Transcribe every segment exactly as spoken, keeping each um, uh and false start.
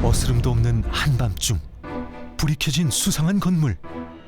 어스름도 없는 한밤중 불이 켜진 수상한 건물.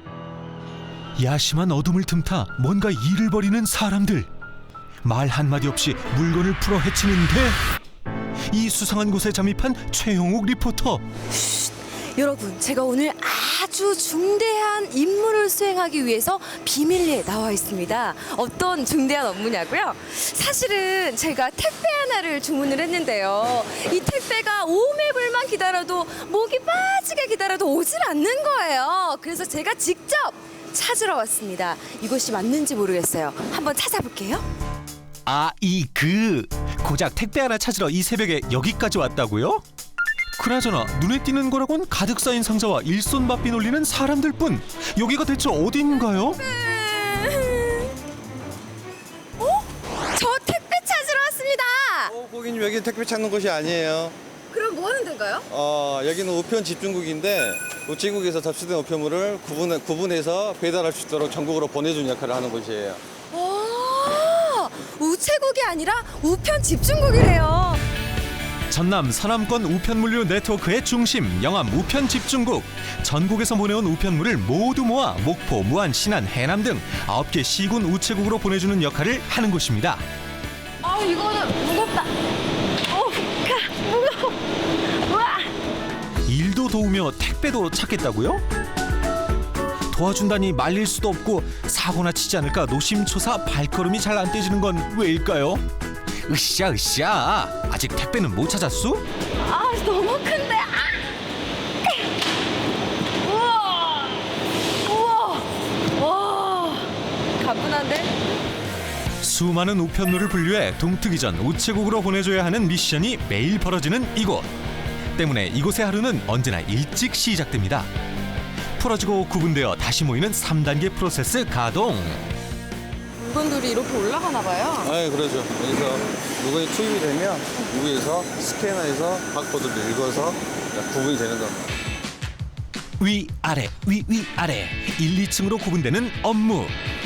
야심한 어둠을 틈타 뭔가 일을 벌이는 사람들. 말 한마디 없이 물건을 풀어 헤치는데 이 수상한 곳에 잠입한 최영욱 리포터. 여러분, 제가 오늘 아주 중대한 임무를 수행하기 위해서 비밀리에 나와 있습니다. 어떤 중대한 업무냐고요? 사실은 제가 택배 하나를 주문을 했는데요. 이 택배가 오매불만 기다려도 목이 빠지게 기다려도 오질 않는 거예요. 그래서 제가 직접 찾으러 왔습니다. 이곳이 맞는지 모르겠어요. 한번 찾아볼게요. 아, 이 그 고작 택배 하나 찾으러 이 새벽에 여기까지 왔다고요? 그나저나 눈에 띄는 거라곤 가득 쌓인 상자와 일손바삐 놀리는 사람들뿐. 여기가 대체 어딘가요? 어? 저 택배 찾으러 왔습니다. 어, 고객님 여기 택배 찾는 곳이 아니에요. 그럼 뭐 하는 데인가요? 어, 여기는 우편 집중국인데 우체국에서 접수된 우편물을 구분, 구분해서 배달할 수 있도록 전국으로 보내주는 역할을 하는 곳이에요. 아, 우체국이 아니라 우편 집중국이래요. 전남 서남권 우편물류 네트워크의 중심 영암 우편집중국. 전국에서 보내온 우편물을 모두 모아 목포, 무안, 신안, 해남 등 아홉 개 시군 우체국으로 보내주는 역할을 하는 곳입니다. 아, 이거는 무겁다. 어, 가, 무거워. 우와. 일도 도우며 택배도 찾겠다고요? 도와준다니 말릴 수도 없고 사고나 치지 않을까 노심초사 발걸음이 잘 안 떼지는 건 왜일까요? 으쌰 으쌰, 아직 택배는 못 찾았수? 아, 너무 큰데. 아. 우와. 우와. 와. 가뿐한데? 수많은 우편물을 분류해 동트기 전 우체국으로 보내줘야 하는 미션이 매일 벌어지는 이곳. 때문에 이곳의 하루는 언제나 일찍 시작됩니다. 풀어지고 구분되어 다시 모이는 삼 단계 프로세스 가동. 물건들이 이렇게 올라가나 봐요. 아, 그러죠. 여기서 물건이 투입이 되면 위에서 스캐너에서 바코드를 읽어서 구분이 되는 겁니다. 위 아래 위 위 아래 일, 이 층으로 구분되는 업무.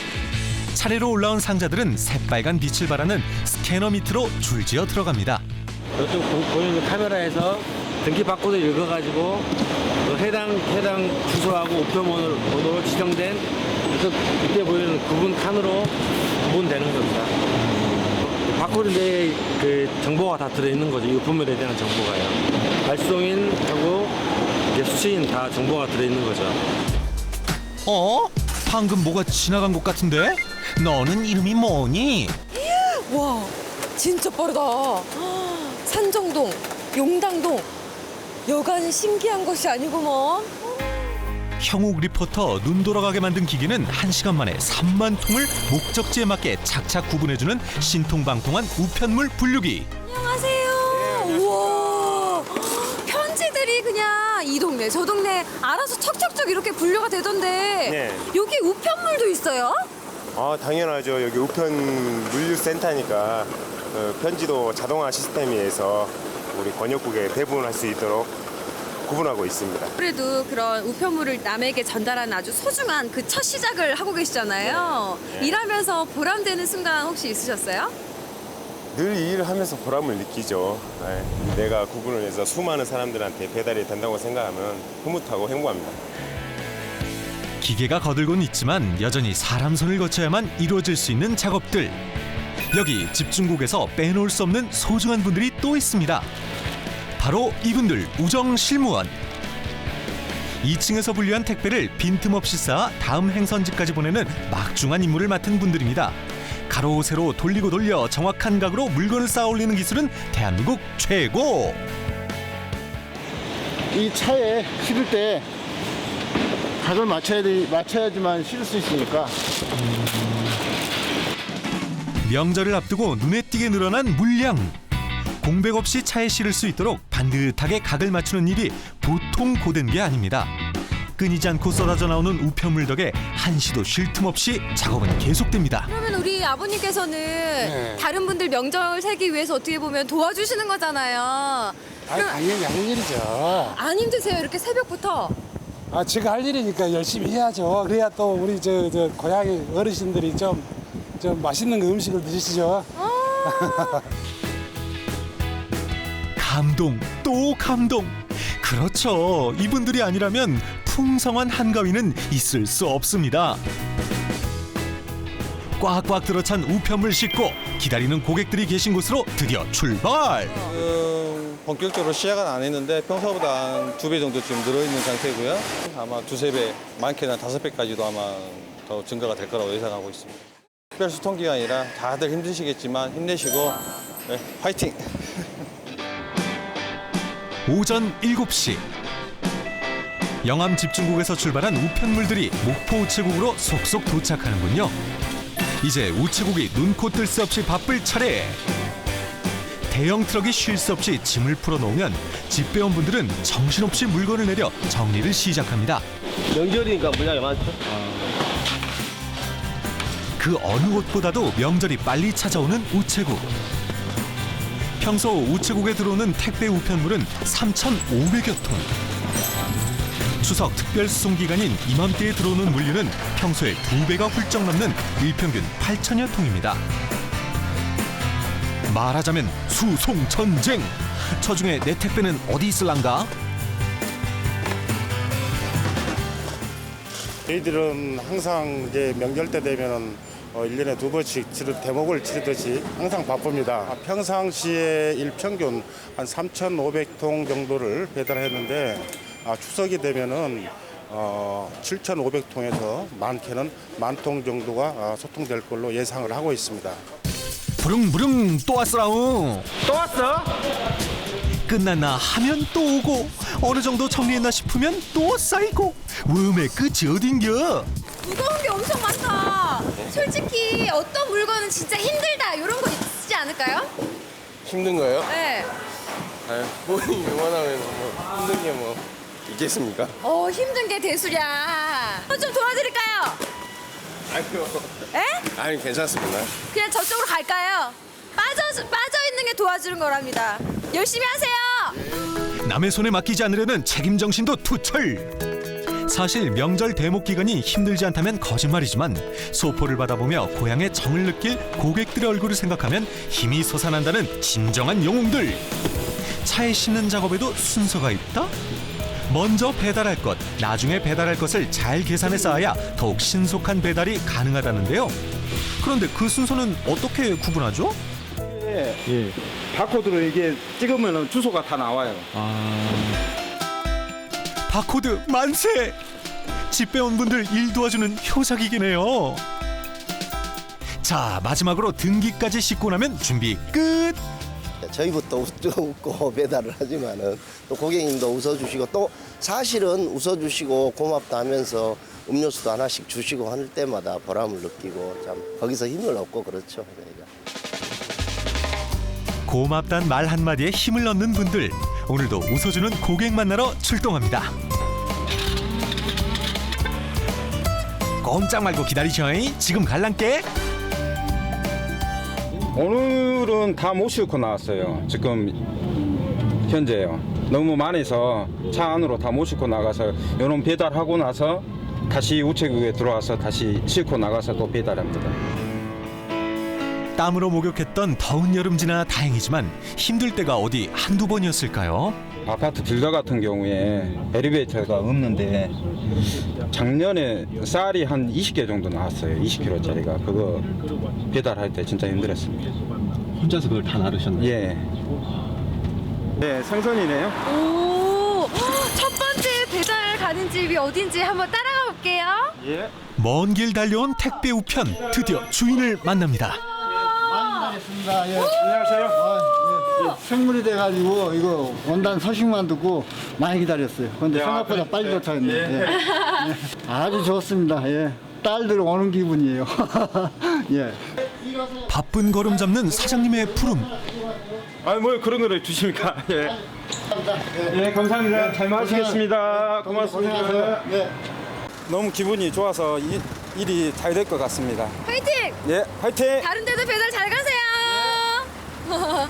차례로 올라온 상자들은 새빨간 빛을 발하는 스캐너 밑으로 줄지어 들어갑니다. 이쪽 보이는 카메라에서 등기 바코드 읽어가지고 그 해당 해당 주소하고 우편번호로 지정된 이쪽 밑에 보이는 구분 칸으로 구분되는 겁니다. 바코드 내에 그 정보가 다 들어있는 거죠. 이 우편물에 대한 정보가요. 발송인하고 이제 수취인 다 정보가 들어있는 거죠. 어? 방금 뭐가 지나간 것 같은데? 너는 이름이 뭐니? 와, 진짜 빠르다. 산정동, 용당동. 여간 신기한 것이 아니구먼. 형욱 리포터 눈 돌아가게 만든 기계는 한 시간 만에 삼만 통을 목적지에 맞게 착착 구분해주는 신통방통한 우편물 분류기. 안녕하세요. 우와, 편지들이 그냥 이 동네 저 동네 알아서 척척척 이렇게 분류가 되던데. 네. 여기 우편물도 있어요? 아, 당연하죠. 여기 우편 물류센터니까 그 편지도 자동화 시스템에서 우리 번역국에 배분할 수 있도록 구분하고 있습니다. 그래도 그런 우편물을 남에게 전달하는 아주 소중한 그 첫 시작을 하고 계시잖아요. 네. 일하면서 보람되는 순간 혹시 있으셨어요? 늘 이 일을 하면서 보람을 느끼죠. 네. 내가 구분을 해서 수많은 사람들한테 배달이 된다고 생각하면 흐뭇하고 행복합니다. 기계가 거들곤 있지만 여전히 사람 손을 거쳐야만 이루어질 수 있는 작업들. 여기 집중국에서 빼놓을 수 없는 소중한 분들이 또 있습니다. 바로 이분들, 우정 실무원. 이 층에서 분류한 택배를 빈틈없이 쌓아 다음 행선지까지 보내는 막중한 임무를 맡은 분들입니다. 가로 세로 돌리고 돌려 정확한 각으로 물건을 쌓아 올리는 기술은 대한민국 최고. 이 차에 실을 때 각을 맞춰야 돼, 맞춰야지만 실을 수 있으니까. 명절을 앞두고 눈에 띄게 늘어난 물량. 공백 없이 차에 실을 수 있도록 반듯하게 각을 맞추는 일이 보통 고된 게 아닙니다. 끊이지 않고 쏟아져 나오는 우편물 덕에 한시도 쉴 틈 없이 작업은 계속됩니다. 그러면 우리 아버님께서는 네. 다른 분들 명절 세기 위해서 어떻게 보면 도와주시는 거잖아요. 아, 당연히 할 일이죠. 안 힘드세요? 이렇게 새벽부터? 아, 제가 할 일이니까 열심히 해야죠. 그래야 또 우리 저, 저 고향의 어르신들이 좀, 좀 맛있는 그 음식을 드시죠. 아. 감동 또 감동. 그렇죠. 이분들이 아니라면 풍성한 한가위는 있을 수 없습니다. 꽉꽉 들어찬 우편물 싣고 기다리는 고객들이 계신 곳으로 드디어 출발. 지금 본격적으로 시작은 안 했는데 평소보다 한 두 배 정도 지금 늘어있는 상태고요. 아마 두세 배, 많게는 다섯 배까지도 아마 더 증가가 될 거라고 예상하고 있습니다. 특별 수통기간이라 다들 힘드시겠지만 힘내시고 네, 화이팅! 오전 일곱 시 영암 집중국에서 출발한 우편물들이 목포 우체국으로 속속 도착하는군요. 이제 우체국이 눈코 뜰 새 없이 바쁠 차례. 대형 트럭이 쉴 새 없이 짐을 풀어놓으면 집배원 분들은 정신없이 물건을 내려 정리를 시작합니다. 명절이니까 물량이 많죠. 그 어느 곳보다도 명절이 빨리 찾아오는 우체국. 평소 우체국에 들어오는 택배 우편물은 삼천오백여 톤. 추석 특별 수송 기간인 이맘때에 들어오는 물류는 평소의 두 배가 훌쩍 넘는 일평균 팔천여 통입니다. 말하자면 수송 전쟁. 저 중에 내 택배는 어디 있을란가? 저희들은 항상 이제 명절 때 되면은 어, 일 년에 두 번씩 치르, 대목을 치르듯이 항상 바쁩니다. 평상시에 일평균 한 삼천오백 통 정도를 배달했는데 아, 추석이 되면은 어, 칠천오백 통에서 많게는 만 통 정도가 아, 소통될 걸로 예상을 하고 있습니다. 부릉부릉 또 왔어라우. 또 왔어? 끝났나 하면 또 오고 어느 정도 정리했나 싶으면 또 쌓이고 웜의 끝이 어딘겨? 무거운 게 엄청 많다. 솔직히 어떤 물건은 진짜 힘들다 이런 거 있지 않을까요? 힘든 거예요? 네. 아유, 본인이 응원하면 뭐 힘든 게 뭐 있겠습니까? 어 힘든 게 대수랴. 어, 좀 도와드릴까요? 아니요. 에? 아니, 괜찮습니다. 그냥 저쪽으로 갈까요? 빠져 빠져 있는 게 도와주는 거랍니다. 열심히 하세요. 남의 손에 맡기지 않으려는 책임 정신도 투철. 사실 명절 대목 기간이 힘들지 않다면 거짓말이지만 소포를 받아보며 고향의 정을 느낄 고객들의 얼굴을 생각하면 힘이 솟아난다는 진정한 영웅들. 차에 싣는 작업에도 순서가 있다? 먼저 배달할 것, 나중에 배달할 것을 잘 계산해 쌓아야 더욱 신속한 배달이 가능하다는데요. 그런데 그 순서는 어떻게 구분하죠? 예. 바코드로 이게 찍으면 주소가 다 나와요. 바코드 만세! 집배원분들 일 도와주는 효자기기네요. 자, 마지막으로 등기까지 싣고 나면 준비 끝! 저희부터 웃고 배달을 하지만은 또 고객님도 웃어주시고 또 사실은 웃어주시고 고맙다 하면서 음료수도 하나씩 주시고 할 때마다 보람을 느끼고 참 거기서 힘을 얻고 그렇죠. 저희가. 고맙단 말 한마디에 힘을 얻는 분들, 오늘도 웃어주는 고객 만나러 출동합니다. 꼼짝 말고 기다리셔잉. 지금 갈란께. 오늘은 다 못 싣고 나왔어요. 지금 현재요. 너무 많아서 차 안으로 다 못 싣고 나가서 이런 배달하고 나서 다시 우체국에 들어와서 다시 싣고 나가서 또 배달합니다. 땀으로 목욕했던 더운 여름 지나 다행이지만 힘들 때가 어디 한두 번이었을까요? 아파트 빌더 같은 경우에 엘리베이터가 없는데 작년에 쌀이 한 이십 개 정도 나왔어요. 이십 킬로그램짜리가. 그거 배달할 때 진짜 힘들었습니다. 혼자서 그걸 다 나르셨나요? 예. 네, 생선이네요. 오, 첫 번째 배달 가는 집이 어딘지 한번 따라가 볼게요. 예. 먼 길 달려온 택배 우편, 드디어 주인을 만납니다. 많이 기다렸습니다. 예. 안녕하세요. 아, 예. 예. 생물이 돼가지고 이거 원단 소식만 듣고 많이 기다렸어요. 그런데 야, 생각보다 그래. 빨리 도착했네요. 예. 예. 예. 아주 좋습니다. 예. 딸들 오는 기분이에요. 예. 바쁜 걸음 잡는 사장님의 부름. 아, 뭐 그런 거를 주십니까? 예. 예, 감사합니다. 잘 마시겠습니다. 고맙습니다. 예. 너무 기분이 좋아서 이, 일이 잘 될 것 같습니다. 화이팅! 예, 화이팅! 다른 데도 배달 잘 가세요.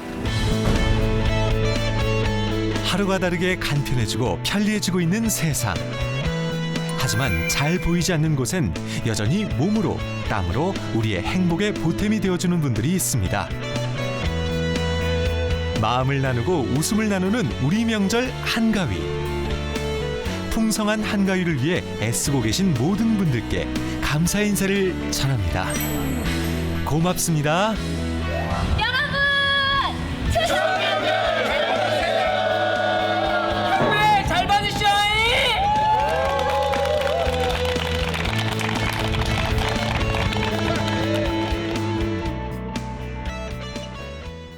하루가 다르게 간편해지고 편리해지고 있는 세상. 하지만 잘 보이지 않는 곳엔 여전히 몸으로, 땀으로 우리의 행복의 보탬이 되어주는 분들이 있습니다. 마음을 나누고 웃음을 나누는 우리 명절 한가위. 풍성한 한가위를 위해 애쓰고 계신 모든 분들께 감사의 인사를 전합니다. 고맙습니다.